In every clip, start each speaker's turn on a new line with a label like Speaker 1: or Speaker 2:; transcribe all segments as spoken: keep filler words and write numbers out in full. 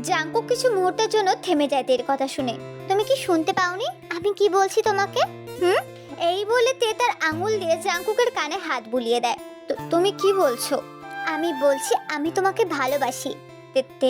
Speaker 1: Jungkook কিছু মুহূর্তের জন্য থেমে যায় তের কথা শুনে। তুমি কি শুনতে পাওনি আমি কি বলছি তোমাকে? হুম এই বলে তে তার আঙুল দিয়ে জাঙ্কুকের কানে হাত বুলিয়ে দেয়। তুমি কি বলছো? আমি বলছি আমি তোমাকে ভালোবাসি। তে তে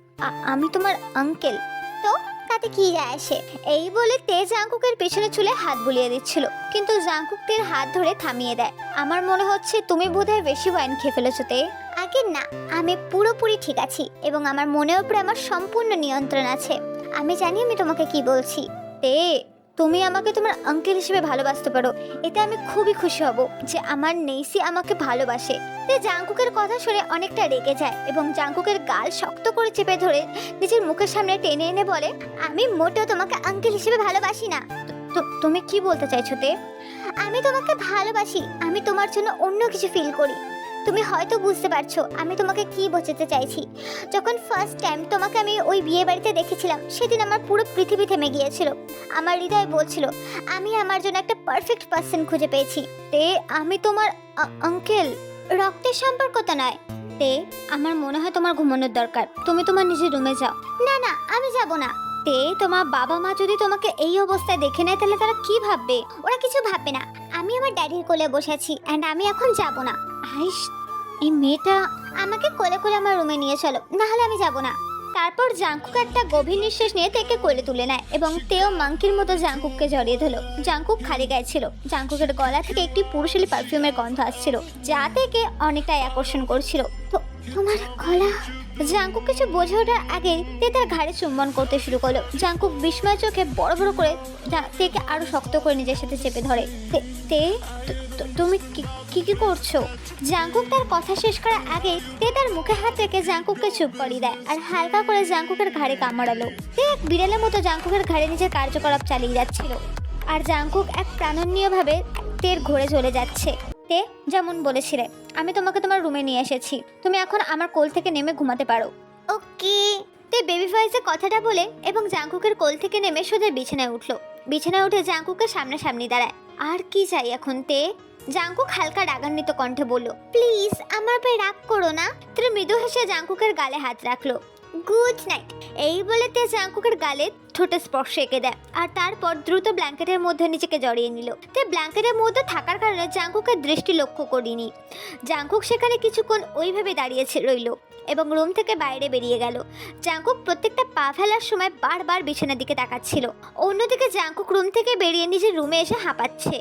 Speaker 1: আমি তোমার আঙ্কেল। তো তাতে কি যায় আসে? এই বলে তে জাঙ্কুকের পেছনে চুলে হাত বুলিয়ে দিচ্ছিল, কিন্তু জাঙ্কুক তের হাত ধরে থামিয়ে দেয়। আমার মনে হচ্ছে তুমি বোধহয় বেশি ওয়াইন খেয়ে ফেলেছো তে। আগে না, আমি পুরোপুরি ঠিক আছি এবং আমার মনের উপরে আমার সম্পূর্ণ নিয়ন্ত্রণ আছে। আমি জানি আমি তোমাকে কি বলছি। তে তুমি আমাকে তোমার আঙ্কেল হিসেবে ভালোবাসতে পারো, এতে আমি খুবই খুশি হব যে আমার নেইসি আমাকে ভালোবাসে। তে জাঙ্কুকের কথা শুনে অনেকটা রেগে যায় এবং জাঙ্কুকের গাল শক্ত করে চেপে ধরে নিজের মুখের সামনে টেনে এনে বলে, আমি মোটেও তোমাকে আঙ্কেল হিসেবে ভালোবাসি না। তুমি কি বলতে চাইছো তে? আমি তোমাকে ভালোবাসি, আমি তোমার জন্য অন্য কিছু ফিল করি। তুমি হয়তো বুঝতে পারছো আমি তোমাকে কি বোঝাতে চাইছি। যখন ফার্স্ট টাইম তোমাকে আমি ওই বিয়ে বাড়িতে দেখেছিলাম, সেদিন আমার পুরো পৃথিবী থেমে গিয়েছিল। আমার হৃদয় বলছিল আমি আমার জন্য একটা পারফেক্ট পার্সন খুঁজে পেয়েছি। তে আমি তোমার আঙ্কেল, রক্তের সম্পর্ক তো নয়। তে আমার মনে হয় তোমার ঘুমানোর দরকার, তুমি তোমার নিজের রুমে যাও। না না আমি যাব না। তে তোমার বাবা মা যদি তোমাকে এই অবস্থায় দেখে নেয় তাহলে তারা কি ভাববে? ওরা কিছু ভাববে না, আমি আমার ড্যাডির কোলে বসেছি এন্ড আমি এখন যাব না। আইস এই মেয়েটা, আমাকে কোলে কোলে আমার রুমে নিয়ে চলো, না হলে আমি যাব না। তারপর জাঙ্কুক একটা গভীর নিঃশ্বাস নিয়ে তেকে কোলে তুলে নেয় এবং তেও মাংকির মতো জাঙ্কুককে জড়িয়ে ধরলো। জাঙ্কুক খালি গায়ে ছিল। জাঙ্কুকের গলা থেকে একটি পুরুষালী পারফিউমের গন্ধ আসছিল, যা থেকে অনেকটাই আকর্ষণ করছিল। তো তোমার গলা। জাঙ্কুক কিছু বোঝে ওঠার আগে তে তার ঘাড়ে চুম্বন করতে শুরু করলো। জাঙ্কুক বিস্ময় চোখে বড় বড় করে তেকে আরো শক্ত করে নিজের সাথে চেপে ধরে। তে তুমি কি কি করছো? জাঙ্কুক তার কথা শেষ করার আগে তে তার মুখে হাত রেখে জাঙ্কুককে চুপ করিয়ে দেয় আর হালকা করে জাঙ্কুকের ঘাড়ে কামড়ালো। তে এক বিড়ালের মতো জাঙ্কুকের ঘাড়ে নিজের কার্যকলাপ চালিয়ে যাচ্ছিল আর জাঙ্কুক এক প্রাণনীয়ভাবে তের ঘুরে চলে যাচ্ছে। তে যেমন বলেছিলে, আমি তোমাকে তোমার রুমে নিয়ে এসেছি, তুমি এখন আমার কোল থেকে নেমে ঘুমাতে পারো। ওকে। তে বেবি ভয়েসে কথাটা বলে এবং জাঙ্কুকের কোল থেকে নেমে সোজা বিছানায় উঠলো। বিছানায় উঠে জাঙ্কুকের সামনাসামনি দাঁড়ায়। আর কি চাই এখন তে? জাঙ্কুক হালকা রাগান্বিত কণ্ঠে বলল, প্লিজ আমার উপরে রাগ করো না। তে মৃদু হেসে জাঙ্কুকের গালে হাত রাখলো। গুড নাইট এই বলে তে জাঙ্কুকের গালে ঠোঁটে স্পর্শ এঁকে দেয় আর তারপর দ্রুত ব্ল্যাঙ্কেটের মধ্যে নিজেকে জড়িয়ে নিল। তে ব্ল্যাঙ্কেটের মধ্যে থাকার কারণে জাঙ্কুকের দৃষ্টি লক্ষ্য করিনি। জাঙ্কুক সেখানে কিছুক্ষণ ওইভাবে দাঁড়িয়েছে রইল এবং রুম থেকে বাইরে বেরিয়ে গেল। জাঙ্কুক প্রত্যেকটা পা ফেলার সময় বারবার বিছানার দিকে তাকাচ্ছিল। অন্যদিকে জাঙ্কুক রুম থেকে বেরিয়ে নিজের রুমে এসে হাঁপাচ্ছে।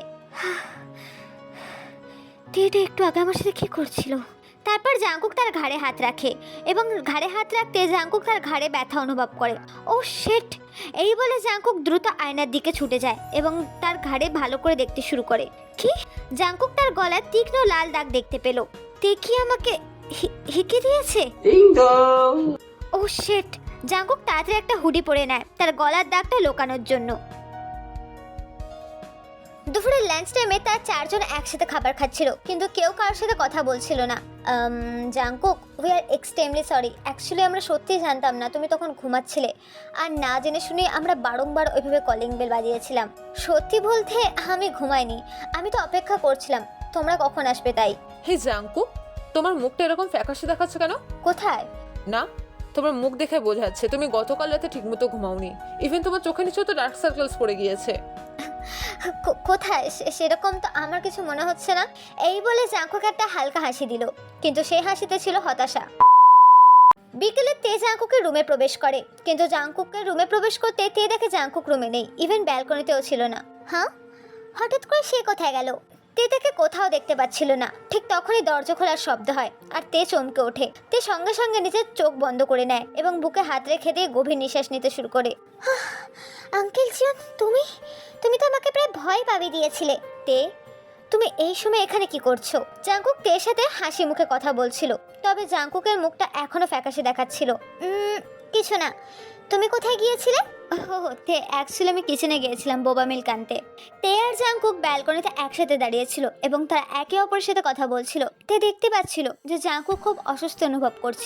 Speaker 1: টেটা একটু আগে আমার সাথে কি করছিল? তারপর জাঙ্কুক তার ঘাড়ে হাত রাখে এবং ঘাড়ে হাত রাখতে জাঙ্কুক তার ঘাড়ে ব্যথা অনুভব করে। ও শিট এই বলে জাঙ্কুক দ্রুত আয়নার দিকে ছুটে যায় এবং তার ঘাড়ে ভালো করে দেখতে শুরু করে। কি? জাঙ্কুক তার গলায় তীক্ষ্ণ লাল দাগ দেখতে পেল। তে কি আমাকে হিকে দিয়েছে? ও শিট জাঙ্কুক তাড়াতাড়ি একটা হুডি পরে নেয় তার গলার দাগটা লুকানোর জন্য। দুপুরের লাঞ্চ টাইমে তার চারজন একসাথে খাবার খাচ্ছিল, কিন্তু কেউ কারোর সাথে কথা বলছিল না। Jungkook we are extremely sorry, actually আমরা সত্যিই জানতাম না তুমি তখন ঘুমাচ্ছিলে আর না জেনে শুনে আমরা বারংবার ওইভাবে কলিং বেল বাজিয়েছিলাম। সত্যি বলতে আমি ঘুমাইনি, আমি তো অপেক্ষা করছিলাম তোমরা কখন আসবে তাই।
Speaker 2: হে জাঙ্কুক, তোমার মুখটা এরকম ফ্যাকাশে দেখাচ্ছে কেন?
Speaker 1: কোথায়?
Speaker 2: না, তোমার মুখ দেখে বোঝাচ্ছে তুমি গতকাল রাতে ঠিকমতো ঘুমাওনি। ইভেন তোমার চোখের নিচেও তো ডার্ক সার্কেলস পড়ে গিয়েছে।
Speaker 1: কোথায়? সেরকম তো আমার কিছু মনে হচ্ছে না। এই বলে জাঙ্কুক একটা হালকা হাসি দিল, কিন্তু সেই হাসিতে ছিল হতাশা। বিকেলে তে জাঙ্কুকের রুমে প্রবেশ করে, কিন্তু জাঙ্কুকের রুমে প্রবেশ করতে তে দেখে জাঙ্কুক রুমে নেই, ইভেন ব্যালকনিতেও ছিল না। হ্যাঁ, হঠাৎ করে সে কোথায় গেল? তে তাকে কোথাও দেখতে পাচ্ছিল না। ঠিক তখনই দরজা খোলার শব্দ হয় আর তে চমকে ওঠে। তে সঙ্গে সঙ্গে নিজের চোখ বন্ধ করে নেয় এবং বুকে হাত রেখে দিয়ে গভীর নিঃশ্বাস নিতে শুরু করে। আঙ্কেল জিয়ন, তুমি তুমি তো আমাকে প্রায় ভয় পাবিয়ে দিয়েছিলে। তে তুমি এই সময় এখানে কি করছো? জাঙ্কুক তের সাথে হাসি মুখে কথা বলছিল, তবে জাঙ্কুকের মুখটা এখনো ফ্যাকাশে দেখাচ্ছিল। কিছু না, তুমি কোথায় গিয়েছিলে? ও তে অ্যাকচুয়ালি আমি কিচেনে গিয়েছিলাম বোবা মিল্ক আনতে। তে আর জাঙ্কুক ব্যালকনিতে একসাথে দাঁড়িয়েছিল এবং তারা একে অপরের সাথে কথা বলছিল। তে দেখতে পাচ্ছিল যে জাঙ্কুক খুব অসুস্থ অনুভব করছিল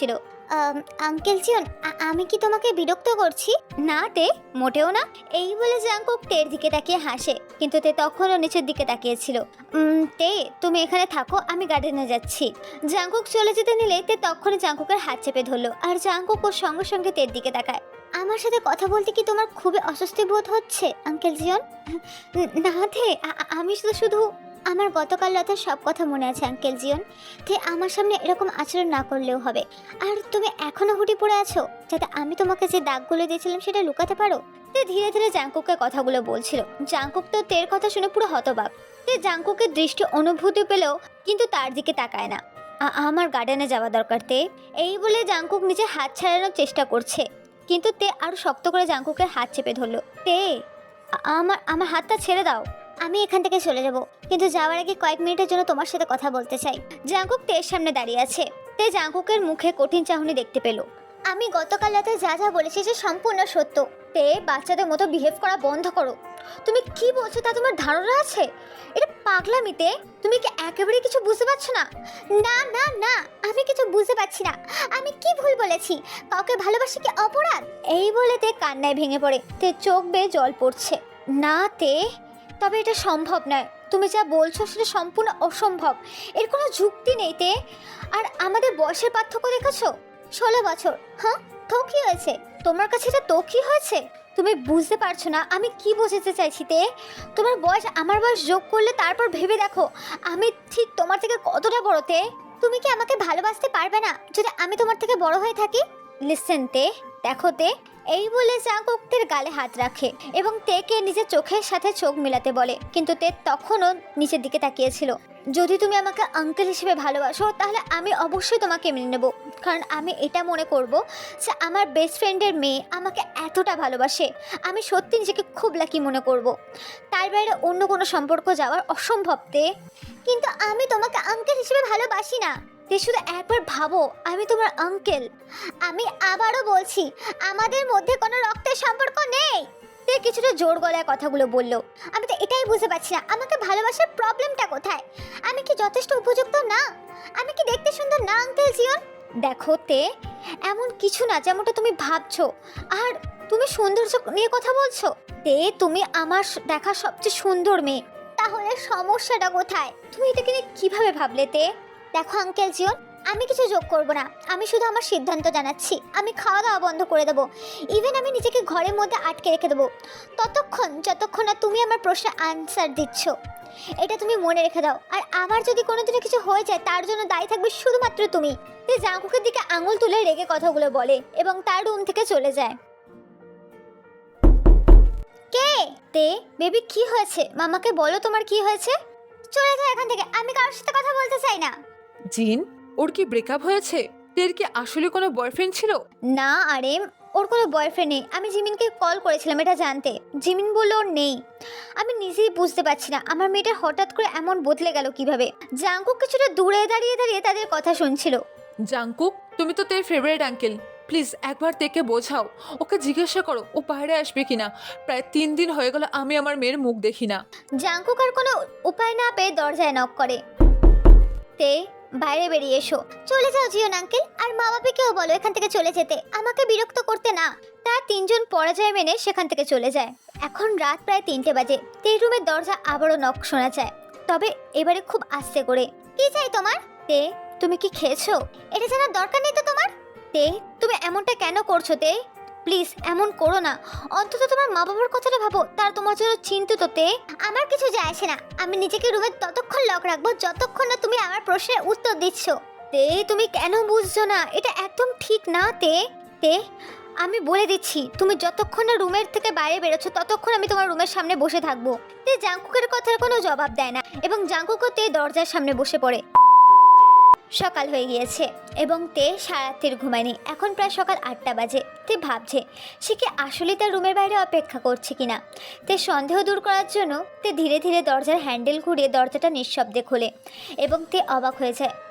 Speaker 1: আম, আঙ্কেল জিয়ন, আ- আমি কি তোমাকে বিরক্ত করছি? না তে, মোটেও না। এই বলে জাংকুক তের দিকে তাকিয়ে হাসে, কিন্তু তে তখনও নিচের দিকে তাকিয়েছিল। উম, তে, তুমি এখানে থাকো, আমি গার্ডেনে যাচ্ছি। জাংকুক চলে যেতে নিলে তে তখনই জাংকুকের হাত চেপে ধরলো, আর জাংকুক ওর সঙ্গে সঙ্গে তের দিকে তাকায়। আমার সাথে কথা বলতে কি তোমার খুবই অস্বস্তি বোধ হচ্ছে আঙ্কেল জিয়ন? ন- না তে, আ- আ- আমি শুধু শুধু আমার গতকাল রাতের সব কথা মনে আছে আঙ্কেল জিয়ন। তে আমার সামনে এরকম আচরণ না করলেও হবে। আর তুমি এখনো হুটি পড়ে আছো যাতে আমি তোমাকে যে দাগগুলো দিয়েছিলাম সেটা লুকাতে পারো। তে ধীরে ধীরে জাংকুককে কথাগুলো বলছিল। জাংকুক তো তের কথা শুনে পুরো হতবাক। তে জাংকুকের দৃষ্টি অনুভূতি পেলেও কিন্তু তার দিকে তাকায় না। আ- আমার গার্ডেনে যাওয়া দরকার তে, এই বলে জাংকুক নিজে হাত ছাড়ানোর চেষ্টা করছে, কিন্তু তে আরো শক্ত করে জাংকুকের হাত চেপে ধরলো। তে, আ- আমার আমার হাতটা ছেড়ে দাও। আমি এখান থেকে চলে যাব, কিন্তু যাওয়ার আগে কয়েক মিনিটের জন্য তোমার সাথে কথা বলতে চাই। জাংকুক তের সামনে দাঁড়িয়ে আছে। তে জাংকুকের মুখে কঠিন চাহনি দেখতে পেল। আমি গতকাল রাতে যা যা বলেছি সে সম্পূর্ণ সত্য। তে, বাচ্চাদের মতো বিহেভ করা বন্ধ করো। তুমি কি বলছো তা তোমার ধারণা আছে? এটা পাগলামিতে। তুমি কি একেবারে কিছু বুঝতে পারছো না? না না না, আমি কিছু বুঝতে পারছি না। আমি কি ভুল বলেছি? কাউকে ভালোবাসি কি অপরাধ? এই বলে তে কান্নায় ভেঙে পড়ে। তে চোখ বেয়ে জল পড়ছে। না তে, তবে এটা সম্ভব নয়। তুমি যা বলছো সেটা সম্পূর্ণ অসম্ভব। এর কোনো যুক্তি নেই তে। আর আমাদের বয়সের পার্থক্য দেখেছো, ষোলো বছর। হ্যাঁ, তো কি হয়েছে? তোমার কাছে এটা তো কি হয়েছে? তুমি বুঝতে পারছো না আমি কি বোঝাতে চাইছি তে। তোমার বয়স আমার বয়স যোগ করলে তারপর ভেবে দেখো আমি ঠিক তোমার থেকে কতটা বড় তে। তুমি কি আমাকে ভালোবাসতে পারবে না যদি আমি তোমার থেকে বড় হয়ে থাকি? লিসেন তে, দেখো তে, এই বলে জাংকুক তের গালে হাত রাখে এবং তেকে নিজের চোখের সাথে চোখ মেলাতে বলে, কিন্তু তে তখনও নিচের দিকে তাকিয়েছিল। যদি তুমি আমাকে আঙ্কেল হিসেবে ভালোবাসো তাহলে আমি অবশ্যই তোমাকে মেনে নেব, কারণ আমি এটা মনে করব যে আমার বেস্ট ফ্রেন্ডের মেয়ে আমাকে এতটা ভালোবাসে। আমি সত্যি নিজেকে খুব লাকি মনে করব। তার বাইরে অন্য কোনো সম্পর্ক যাওয়ার অসম্ভব তে। কিন্তু আমি তোমাকে আঙ্কেল হিসেবে ভালোবাসি না তে, শুধু একবার ভাবো আমি তোমার আঙ্কেল। আমি আবারও বলছি আমাদের মধ্যে কোনো রক্তের সম্পর্ক নেই। তে কিছুটা জোর গলায় কথাগুলো বললো। আমি তো এটাই বুঝতে পারছি না আমাকে ভালোবাসার প্রবলেমটা কোথায়? আমি কি যথেষ্ট উপযুক্ত না? আমি কি দেখতে সুন্দর না আঙ্কেল জিয়ন? দেখো তে, এমন কিছু না যেমনটা তুমি ভাবছো। আর তুমি সৌন্দর্য নিয়ে কথা বলছো তে, তুমি আমার স- দেখা সবচেয়ে সুন্দর মেয়ে। তাহলে সমস্যাটা কোথায়? তুমি এটাকে নিয়ে কিভাবে ভাবলে তে? দেখো আঙ্কেল জিয়ন, আমি কিছু যোগ করব না। আমি শুধু আমার সিদ্ধান্ত জানাচ্ছি। আমি খাওয়া দাওয়া বন্ধ করে দেবো। ইভেন আমি নিজেকে ঘরের মধ্যে আটকে রেখে দেবো ততক্ষণ যতক্ষণ না তুমি আমার প্রশ্নের আনসার দিচ্ছ। এটা তুমি মনে রেখে দাও। আর আমার যদি কোনোদিনও কিছু হয়ে যায় তার জন্য দায়ী থাকবে শুধুমাত্র তুমি। তে জাংকুকের দিকে আঙুল তুলে রেগে কথাগুলো বলে এবং তার রুম থেকে চলে যায়। কে? তে, বেবি কি হয়েছে? মামাকে বলো তোমার কি হয়েছে। চলে যাও এখান থেকে, আমি কারোর সাথে কথা বলতে চাই না।
Speaker 2: জিন, ওর কি ব্রেকআপ হয়েছে? তের কি আসলে কোনো বয়ফ্রেন্ড ছিল?
Speaker 1: না আরে, ওর কোনো বয়ফ্রেন্ড নেই। আমি জিমিনকে কল করেছিলাম এটা জানতে। জিমিন বললো ওর নেই। আমি নিজেই বুঝতে পারছি না আমার মেয়েটা হঠাৎ করে এমন বদলে গেল কিভাবে। জাংকুক কিছুটা দূরে দাঁড়িয়ে দাঁড়িয়ে তাদের কথা শুনছিল।
Speaker 2: জাংকুক, তুমি তো তের ফেভারিট আঙ্কেল, প্লিজ একবার তেকে বোঝাও। ওকে জিজ্ঞাসা করো ও বাইরে আসবে কিনা। প্রায় তিন দিন হয়ে গেল আমি আমার মেয়ের মুখ দেখি না।
Speaker 1: জাংকুক আর কোনো উপায় না পেয়ে দরজায় নক করে। তে, বাইরে বেরিয়ে এসো। চলে যাও জিওন আঙ্কেল, আর মা বাবাকেও বলো এখান থেকে চলে যেতে, আমাকে বিরক্ত করতে না। তারা তিনজন পরাজয় মেনে সেখান থেকে চলে যায়। এখন রাত প্রায় তিনটে বাজে। তে রুমের দরজা আবারও নক শোনা যায়, তবে এবারে খুব আস্তে করে। কি চাই তোমার? তে, তুমি কি খেয়েছো? এটা জানার দরকার নেই তো তোমার। তে, তুমি এমনটা কেন করছো তে? প্লিজ এমন করো না। অন্তত তোমার মা বাবার কথাটা ভাবো, তার তোমার জন্য চিন্তিত তে। আমার কিছু যায় আসে না। আমি নিজেকে রুমে ততক্ষণ লক রাখবো যতক্ষণ না তুমি আমার প্রশ্নের উত্তর দিচ্ছ। তে, তুমি কেন বুঝছো না? এটা একদম ঠিক না তে। তে, আমি বলে দিচ্ছি তুমি যতক্ষণ না রুমের থেকে বাইরে বেরোচ্ছ ততক্ষণ আমি তোমার রুমের সামনে বসে থাকবো। তে জাংকুকের কথার কোনো জবাব দেয় না এবং জাংকুকও তে দরজার সামনে বসে পড়ে। সকাল হয়ে গিয়েছে এবং তে সারাত্রির ঘুমায়নি। এখন প্রায় সকাল আটটা বাজে। তে ভাবছে সে কি আসলে তার রুমের বাইরে অপেক্ষা করছে কিনা। তে সন্দেহ দূর করার জন্য তে ধীরে ধীরে দরজার হ্যান্ডেল ঘুরিয়ে দরজাটা নিঃশব্দে খোলে এবং তে অবাক হয়ে যায়। সে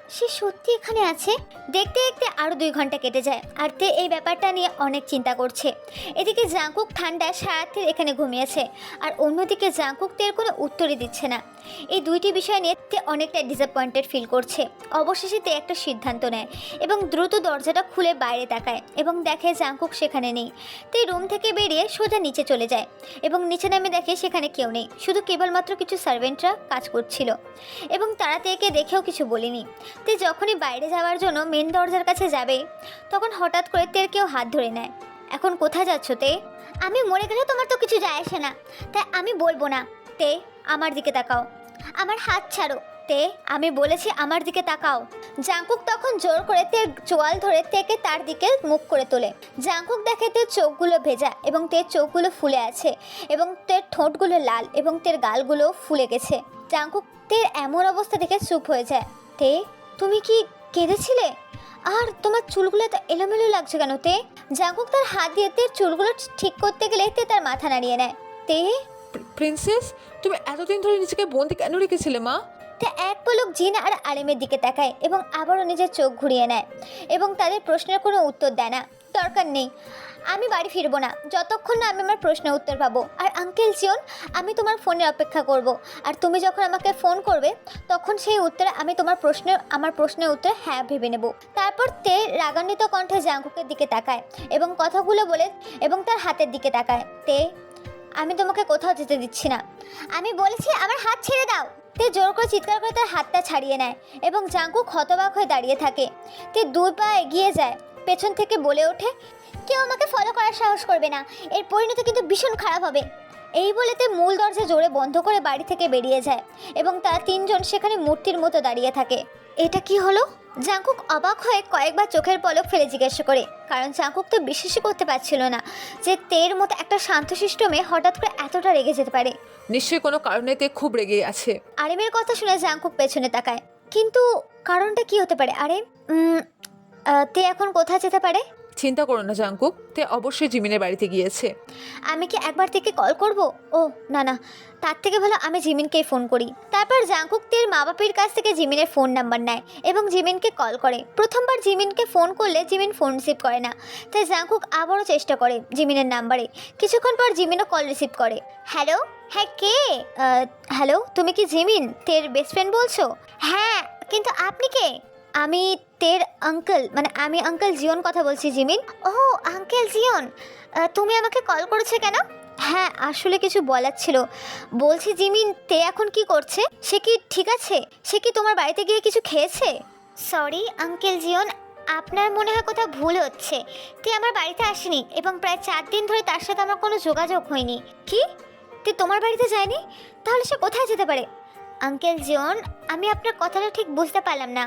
Speaker 1: সে সত্যি এখানে আছে। দেখতে দেখতে আরও দুই ঘন্টা কেটে যায় আর তে এই ব্যাপারটা নিয়ে অনেক চিন্তা করছে। এদিকে জাংকুক ঠান্ডা সারাত্রির এখানে ঘুমিয়েছে আর অন্যদিকে জাংকুক তের কোনো উত্তরই দিচ্ছে না। এই দুইটি বিষয় নিয়ে তে অনেকটা ডিসঅ্যাপয়েন্টেড ফিল করছে। অবশেষে তে একটা সিদ্ধান্ত নেয় এবং দ্রুত দরজাটা খুলে বাইরে তাকায় এবং দেখে জাংকুক সেখানে নেই। তে রুম থেকে বেরিয়ে সোজা নিচে চলে যায় এবং নিচে নামে দেখে সেখানে কেউ নেই, শুধু কেবলমাত্র কিছু সার্ভেন্টরা কাজ করছিল এবং তারা তেকে দেখেও কিছু বলেনি। তে যখনই বাইরে যাওয়ার জন্য মেন দরজার কাছে যাবে তখন হঠাৎ করে তের কেউ হাত ধরে নেয়। এখন কোথায় যাচ্ছ তে? আমি মরে গেলেও তোমার তো কিছু যায় আসে না, তাই আমি বলবো না। তে আমার দিকে তাকাও, আমার হাত ছাড়ো। তে আমি বলেছি আমার দিকে তাকাও। জাংকুক তখন জোর করে তের চোয়াল ধরে তেকে তার দিকে মুখ করে তোলে। জাংকুক দেখে তের চোখগুলো ভেজা এবং তের চোখগুলো ফুলে আছে এবং তের ঠোঁটগুলো লাল এবং তের গালগুলো ফুলে গেছে। জাংকুক তের এমন অবস্থা দেখে চুপ হয়ে যায়। তে তুমি কি কেঁদেছিলে? আর তোমার চুলগুলো এত এলোমেলো লাগছে কেন তে? জাংকুক তার হাত দিয়ে তের চুলগুলো ঠিক করতে গেলে তে তার মাথা নাড়িয়ে নেয়। তে
Speaker 2: প্রিন্সেস, তুমি এতদিন ধরে নিজেকে বন্দি কেন রেখেছিলে মা?
Speaker 1: তে এক পলক জিন আর আলিমের দিকে তাকায় এবং আবারও নিজের চোখ ঘুরিয়ে নেয় এবং তাদের প্রশ্নের কোনো উত্তর দেয় না। দরকার নেই, আমি বাড়ি ফিরবো না যতক্ষণ না আমি আমার প্রশ্নের উত্তর পাবো। আর আঙ্কেল জিওন, আমি তোমার ফোনের অপেক্ষা করব আর তুমি যখন আমাকে ফোন করবে তখন সেই উত্তরে আমি তোমার প্রশ্নের আমার প্রশ্নের উত্তর হ্যাঁ ভেবে নেব। তারপর তে রাগান্বিত কণ্ঠে জাংকুকের দিকে তাকায় এবং কথাগুলো বলে এবং তার হাতের দিকে তাকায়। তে আমি তোমাকে কোথাও যেতে দিচ্ছি না, আমি বলেছি আমার হাত ছেড়ে দাও। তে জোর করে চিৎকার করে তার হাতটা ছাড়িয়ে নেয় এবং জাংকুক হতবাক হয়ে দাঁড়িয়ে থাকে। তে দুই পা এগিয়ে যায়, পেছন থেকে বলে ওঠে, কেউ আমাকে ফলো করার সাহস করবে না, এর পরিণতি কিন্তু ভীষণ খারাপ হবে। এই বলে তে মূল দরজা জোরে বন্ধ করে বাড়ি থেকে বেরিয়ে যায় এবং তারা তিনজন সেখানে মূর্তির মতো দাঁড়িয়ে থাকে। এটা কি হলো? জাংকুক অবাক হয়ে কয়েকবার চোখের পলক ফেলে জিজ্ঞাসা করে, কারণ জাংকুক তো বিশ্বাসই করতে পারছিল না যে তের মতো একটা শান্তশিষ্ট মেয়ে হঠাৎ করে এতটা রেগে যেতে পারে।
Speaker 2: নিশ্চয়ই কোনো কারণে তে খুব রেগে আছে।
Speaker 1: আরিমের কথা শুনে জাংকুক পেছনে তাকায়, কিন্তু কারণটা কি হতে পারে? আরে উম, আহ, তে এখন কোথায় যেতে পারে?
Speaker 2: চিন্তা করো না জাংকুক, তে অবশ্যই জিমিনের বাড়িতে গিয়েছে।
Speaker 1: আমি কি একবার থেকে কল করব? ও না না, তার থেকে ভালো আমি জিমিনকেই ফোন করি। তারপর জাংকুক তের মা বাপের কাছ থেকে জিমিনের ফোন নাম্বার নেয় এবং জিমিনকে কল করে। প্রথমবার জিমিনকে ফোন করলে জিমিন ফোন রিসিভ করে না, তাই জাংকুক আবারও চেষ্টা করে জিমিনের নাম্বারে। কিছুক্ষণ পর জিমিনও কল রিসিভ করে। হ্যালো, হ্যাঁ কে? হ্যালো, তুমি কি জিমিন তের বেস্ট ফ্রেন্ড বলছো? হ্যাঁ, কিন্তু আপনি কে? আমি তের আঙ্কেল, মানে আমি আঙ্কেল জিওন কথা বলছি। জিমিন? ও আঙ্কেল জিওন, তুমি আমাকে কল করেছো কেন? হ্যাঁ, আসলে কিছু বলার ছিল। বলছি জিমিন, তে এখন কি করছে? সে কি ঠিক আছে? সে কি তোমার বাড়িতে গিয়ে কিছু খেয়েছে? সরি আঙ্কেল জিওন, আপনার মনে হয় কোথাও ভুল হচ্ছে। তে আমার বাড়িতে আসেনি এবং প্রায় চার দিন ধরে তার সাথে আমার কোনো যোগাযোগ হয়নি। কি? তে তোমার বাড়িতে যায়নি? তাহলে সে কোথায় যেতে পারে? আঙ্কেল জিওন, আমি আপনার কথাটা ঠিক বুঝতে পারলাম না।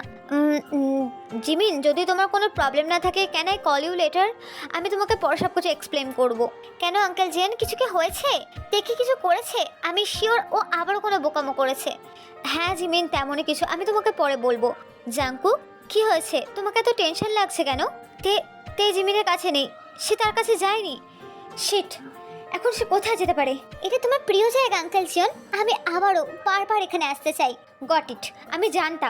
Speaker 1: জিমিন, যদি তোমার কোনো প্রবলেম না থাকে, can I call you later? আমি তোমাকে পরে সব কিছু এক্সপ্লেন করবো। কেন আঙ্কেল জিওন, কিছু কি হয়েছে? দেখি কিছু করেছে? আমি শিওর ও আবারও কোনো বোকামো করেছে। হ্যাঁ জিমিন, তেমনই কিছু, আমি তোমাকে পরে বলবো। জাংকুক, কি হয়েছে? তোমাকে এত টেনশন লাগছে কেন? তে তে জিমিনের কাছে নেই, সে তার কাছে যায়নি। শিট, এখন সে কোথায় যেতে পারে? এটা তোমার প্রিয় জায়গা আঙ্কেল জিওন, আমি আবারও বারবার এখানে আসতে চাই। গট ইট, আমি জানতাম।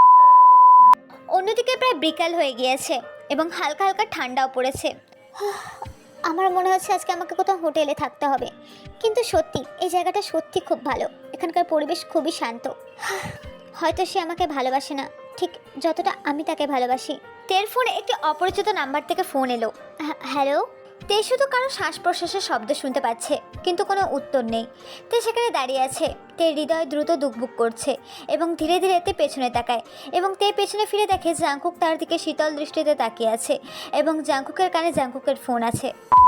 Speaker 1: অন্যদিকে প্রায় বিকাল হয়ে গিয়েছে এবং হালকা হালকা ঠান্ডাও পড়েছে। আমার মনে হচ্ছে আজকে আমাকে কোথাও হোটেলে থাকতে হবে, কিন্তু সত্যি এই জায়গাটা সত্যি খুব ভালো, এখানকার পরিবেশ খুবই শান্ত। হয়তো সে আমাকে ভালোবাসে না ঠিক যতটা আমি তাকে ভালোবাসি। তের ফোনে একটি অপরিচিত নাম্বার থেকে ফোন এলো। হ্যালো। তে শুধু কারো শ্বাস প্রশ্বাসের শব্দ শুনতে পাচ্ছে, কিন্তু কোনো উত্তর নেই। তে সেখানে দাঁড়িয়ে আছে। তে হৃদয় দ্রুত দুকবুক করছে এবং ধীরে ধীরে তে পেছনে তাকায় এবং তে পেছনে ফিরে দেখে জাংকুক তার দিকে শীতল দৃষ্টিতে তাকিয়ে আছে এবং জাংকুকের কানে জাংকুকের ফোন আছে।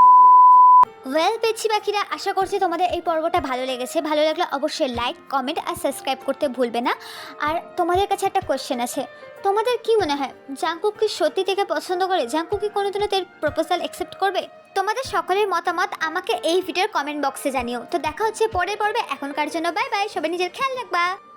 Speaker 1: ওয়েল পেছি পাখিরা, আশা করছি তোমাদের এই পর্বটা ভালো লেগেছে। ভালো লাগলে অবশ্যই লাইক, কমেন্ট আর সাবস্ক্রাইব করতে ভুলবে না। আর তোমাদের কাছে একটা কোশ্চেন আছে, তোমাদের কি মনে হয় জাংকুক কি সত্যি থেকে পছন্দ করে? জাংকুক কি কোনোদিনও তার প্রপোজাল অ্যাকসেপ্ট করবে? তোমাদের সকলের মতামত আমাকে এই ভিডিওর কমেন্ট বক্সে জানিও। তো দেখা হচ্ছে পরের পর্বে, এখনকার জন্য বাই বাই, সবাই নিজের খেয়াল রাখবা।